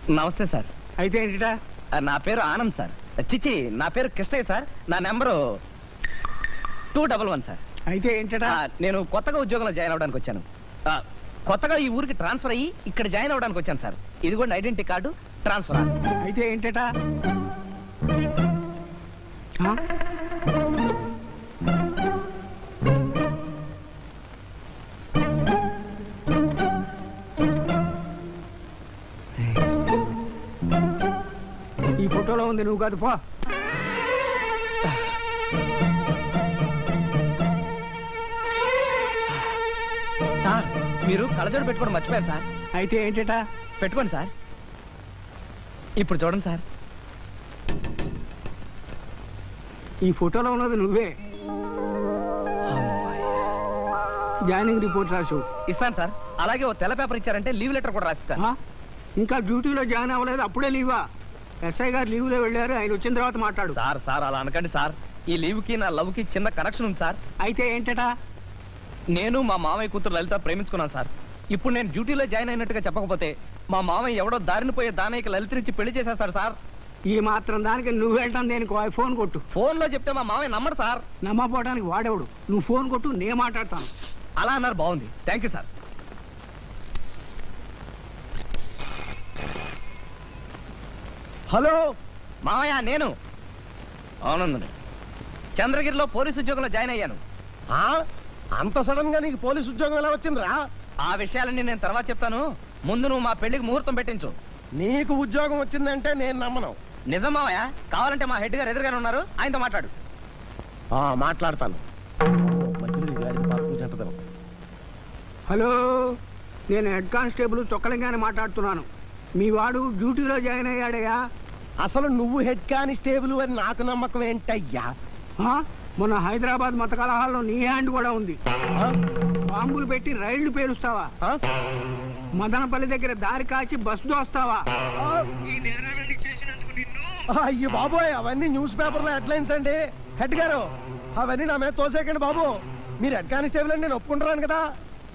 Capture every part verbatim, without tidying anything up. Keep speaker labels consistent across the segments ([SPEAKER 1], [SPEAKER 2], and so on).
[SPEAKER 1] నమస్తే సార్.
[SPEAKER 2] అయితే ఏంటిటా?
[SPEAKER 1] నా పేరు ఆనంద్ సార్. చిచ్చి, నా పేరు కృష్ణయ్య సార్. నా number two double one sir.
[SPEAKER 2] అయితే ఏంటటా?
[SPEAKER 1] నేను కొత్తగా ఉద్యోగంలో జాయిన్ అవడానికి వచ్చాను. కొత్తగా ఈ ఊరికి ట్రాన్స్ఫర్ అయ్యి ఇక్కడ జాయిన్ అవడానికి వచ్చాను సార్. ఇది కూడా ఐడెంటిటీ కార్డు, ట్రాన్స్ఫర్.
[SPEAKER 2] అయితే ఏంటటా? ఈ ఫోటోలో ఉంది, నువ్వు కాదు, పో.
[SPEAKER 1] సార్, మీరు కళ్ళజోడు పెట్టుకోవడం మర్చిపోయారు సార్.
[SPEAKER 2] అయితే ఏంటటా?
[SPEAKER 1] పెట్టుకోండి సార్. ఇప్పుడు చూడండి సార్.
[SPEAKER 2] ఈ ఫోటోలో ఉన్నది నువ్వే. జాయినింగ్ రిపోర్ట్ రాసు.
[SPEAKER 1] ఇస్తాను సార్. అలాగే ఓ తెల్ల పేపర్ ఇచ్చారంటే లీవ్ లెటర్ కూడా రాసిస్తాను.
[SPEAKER 2] ఇంకా డ్యూటీలో జాయిన్ అవ్వలేదు, అప్పుడే లీవా? ఎస్ఐ గారు లీవ్లో వెళ్ళారు, ఆయన వచ్చిన తర్వాత మాట్లాడు.
[SPEAKER 1] సార్ సార్ అలా అనకండి సార్. ఈ లీవ్కి నా లవ్కి చిన్న కనెక్షన్ ఉంది సార్.
[SPEAKER 2] అయితే ఏంటటా?
[SPEAKER 1] నేను మా మామయ్య కూతురు లలిత ప్రేమించుకున్నాను సార్. ఇప్పుడు నేను డ్యూటీలో జాయిన్ అయినట్టుగా చెప్పకపోతే మా మామయ్య ఎవడో దారిని పోయే దానయ్యకి లలితనిచ్చి పెళ్లి చేసేస్తాడు సార్.
[SPEAKER 2] ఈ మాత్రం దానికి నువ్వు వెళ్ళటం దేనికి? ఫోన్ కొట్టు.
[SPEAKER 1] ఫోన్ లో చెప్తే మా మామయ్య నమ్మడు సార్.
[SPEAKER 2] నమ్మపోవడానికి వాడేవాడు. నువ్వు ఫోన్ కొట్టు, నేను మాట్లాడతాను.
[SPEAKER 1] అలా అన్నారు, బాగుంది, థ్యాంక్ యూ సార్. హలో మామయ్య, నేను ఆనంద్ చంద్రగిరిలో పోలీసు ఉద్యోగంలో జాయిన్ అయ్యాను.
[SPEAKER 3] అంత సడన్ గా నీకు పోలీసు ఉద్యోగం ఎలా వచ్చిందిరా?
[SPEAKER 1] ఆ విషయాలన్నీ నేను తర్వాత చెప్తాను. ముందు నువ్వు మా పెళ్లికి ముహూర్తం పెట్టించు.
[SPEAKER 3] నీకు ఉద్యోగం వచ్చిందంటే నేను నమ్మను.
[SPEAKER 1] నిజం మామయ్య, కావాలంటే మా హెడ్ గారు ఎదురుగానే ఉన్నారు, ఆయనతో మాట్లాడు.
[SPEAKER 3] మాట్లాడతాను.
[SPEAKER 2] హలో, నేను హెడ్ కానిస్టేబుల్ చొక్కలింగానే మాట్లాడుతున్నాను. మీ వాడు డ్యూటీలో జాయిన్ అయ్యాడయ్యా.
[SPEAKER 3] అసలు నువ్వు హెడ్ కానిస్టేబుల్ అని నాకు నమ్మకం ఏంటయ్యా?
[SPEAKER 2] మొన్న హైదరాబాద్ మత కలహాల్లో నీ హ్యాండ్ కూడా ఉంది. బాంబులు పెట్టి రైళ్లు పేలుస్తావా? మదనపల్లి దగ్గర దారి కాచి బస్సు దోస్తావా?
[SPEAKER 3] అయ్యో బాబోయ్, అవన్నీ న్యూస్ పేపర్ లో హెడ్లైన్స్ అండి. హెడ్ గారు, అవన్నీ నా మీద తోసేకండి బాబు. మీరు హెడ్ కానిస్టేబుల్ అని నేను ఒప్పుకుంటున్నాను కదా.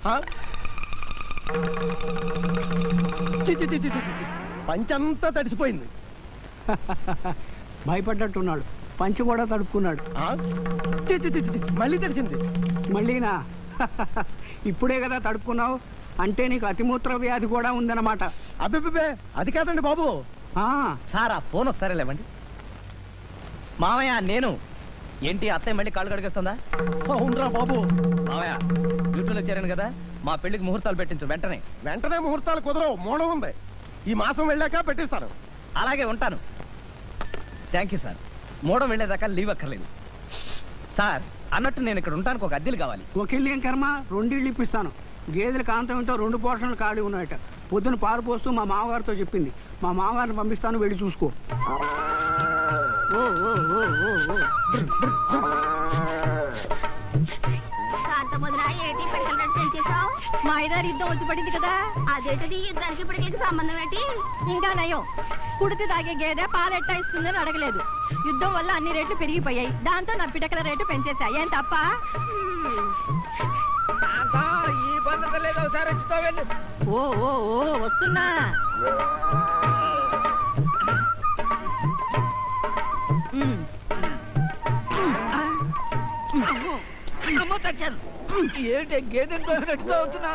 [SPEAKER 3] పంచంతా తడిసిపోయింది.
[SPEAKER 2] భయపడ్డట్టున్నాడు. పంచి కూడా తడుపుకున్నాడు.
[SPEAKER 3] మళ్ళీ తడిసింది.
[SPEAKER 2] మళ్ళీనా? ఇప్పుడే కదా తడుపుకున్నావు. అంటే నీకు అతిమూత్ర వ్యాధి కూడా ఉందన్నమాట.
[SPEAKER 3] అబ్బే, అది కాదండి బాబు.
[SPEAKER 1] సార్, ఆ ఫోన్ ఒకసారి లేవండి. మామయ్య, నేను ఏంటి అత్తయ్య మళ్ళీ కాళ్ళు కడిగేస్తుందా?
[SPEAKER 3] అవునరా బాబు.
[SPEAKER 1] మామయ్య, డ్యూటీలో చేరాను కదా, మా పెళ్లికి ముహూర్తాలు పెట్టించు వెంటనే.
[SPEAKER 3] వెంటనే ముహూర్తాలు కుదరవు, మూడం ఉంది. ఈ మాసం వెళ్ళాక పెట్టిస్తాను.
[SPEAKER 1] అలాగే, ఉంటాను. Thank you sir. మూడం వెళ్ళేదాకా లీవ్ అక్కర్లేదు. సార్, అన్నట్టు నేను ఇక్కడ ఉంటానికి ఒక అద్దెలు కావాలి.
[SPEAKER 2] ఒక ఇల్లు ఏం కర్మ, రెండిళ్ళు ఇప్పిస్తాను. గేదెల కాంతం ఏంటో రెండు పోర్షన్లు ఖాళీ ఉన్నాయట. పొద్దున పాలు పోస్తూ మా మామగారితో చెప్పింది. మా మామగారిని పంపిస్తాను, వెళ్ళి చూసుకో.
[SPEAKER 4] మా ఐదారు యుద్ధం వచ్చి పడింది కదా, అదేంటది యుద్ధానికి ఇప్పటికీ సంబంధం ఏంటి? ఇంకా నయం, కుడితి తాగే గేదె పాలెట్టా ఇస్తుందని అడగలేదు. యుద్ధం వల్ల అన్ని రేట్లు పెరిగిపోయాయి, దాంతో నా పిటకల రేటు పెంచేశా. ఏం తప్ప? ఓ ఓ ఓ వస్తున్నా.
[SPEAKER 1] ఏంటి గేదెంతో అవుతున్నా?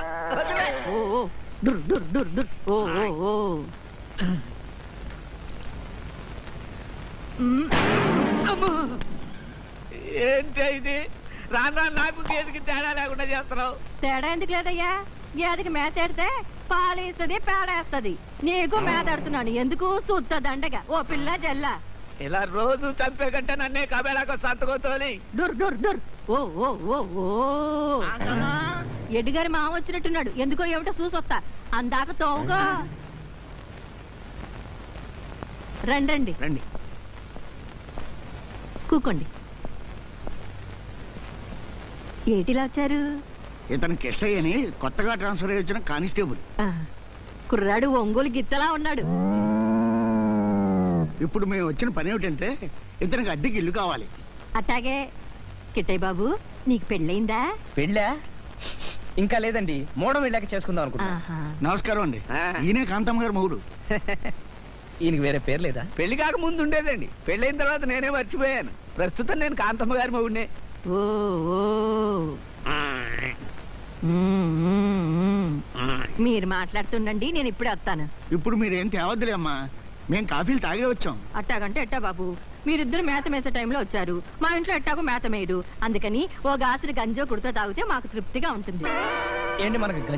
[SPEAKER 1] ఏంటి ఇది? రానా నాకు గేదెకి తేడా లేకుండా చేస్తున్నావు.
[SPEAKER 4] తేడా ఎందుకు లేదయ్యా? గేదెకి మేత ఎడితే పాలేస్తుంది, పేడేస్తుంది. నీకు మేత ఎడుతున్నాను ఎందుకు? సుత్త దండగా ఓ పిల్ల జల్ల.
[SPEAKER 1] ఇలా రోజు చంపే కంటే నన్నే కబేళాకు సంతకోతోని.
[SPEAKER 4] డుర్ డుర్ డుర్. ఓ ఓ ఓ ఓ ఎడ్డిగారి మామ వచ్చినట్టున్నాడు. ఎందుకో ఏమిటో చూసొస్తా. అందాక తోవుగా రండి రండి, కూకోండి. ఏటిలా వచ్చారు?
[SPEAKER 2] ఇతను కిష్టయ్య అని కొత్తగా ట్రాన్స్ఫర్ అయ్యి వచ్చిన కానిస్టేబుల్.
[SPEAKER 4] కుర్రాడు ఒంగోలు గిత్తలా ఉన్నాడు.
[SPEAKER 2] ఇప్పుడు మేము వచ్చిన పని ఏమిటంటే ఇతనికి అద్దెకి ఇల్లు కావాలి.
[SPEAKER 4] అట్టాగే. కిట్టయ్య బాబు, నీకు పెళ్ళయిందా?
[SPEAKER 1] పెళ్ళా? ఇంకా లేదండి మూడం వెళ్ళాక చేసుకుందాం అనుకుంటా
[SPEAKER 4] ఆహా.
[SPEAKER 5] నమస్కారం అండి.
[SPEAKER 2] ఆ.
[SPEAKER 5] ఈయనే కాంతమ్మ గారు మొగుడు.
[SPEAKER 1] ఈయనకి వేరే పేరు లేదా?
[SPEAKER 2] పెళ్లి కాక ముందు ఉండేదండి, పెళ్ళైన తర్వాత నేనే మర్చిపోయాను. ప్రస్తుతం నేను కాంతమ్మ గారి మొగుడినే.
[SPEAKER 4] ఓ ఓ. మ్మ్, మ్మ్, మ్మ్. మీరు మాట్లాడుతుండండి, నేను ఇప్పుడే వస్తాను.
[SPEAKER 5] ఇప్పుడు మీరేం తేవద్దులే అమ్మా, మేం కాఫీలు తాగే వచ్చాం.
[SPEAKER 4] అట్టాగంటే ఎట్టా బాబు, మీరిద్దరు మేత మేసే టైంలో వచ్చారు. మా ఇంట్లో ఎట్టాగో మేత మేయదు, అందుకని ఓ గాసులు గంజో కుడితో తాగితే మాకు తృప్తిగా ఉంటుంది.
[SPEAKER 1] ఏంటి మనకు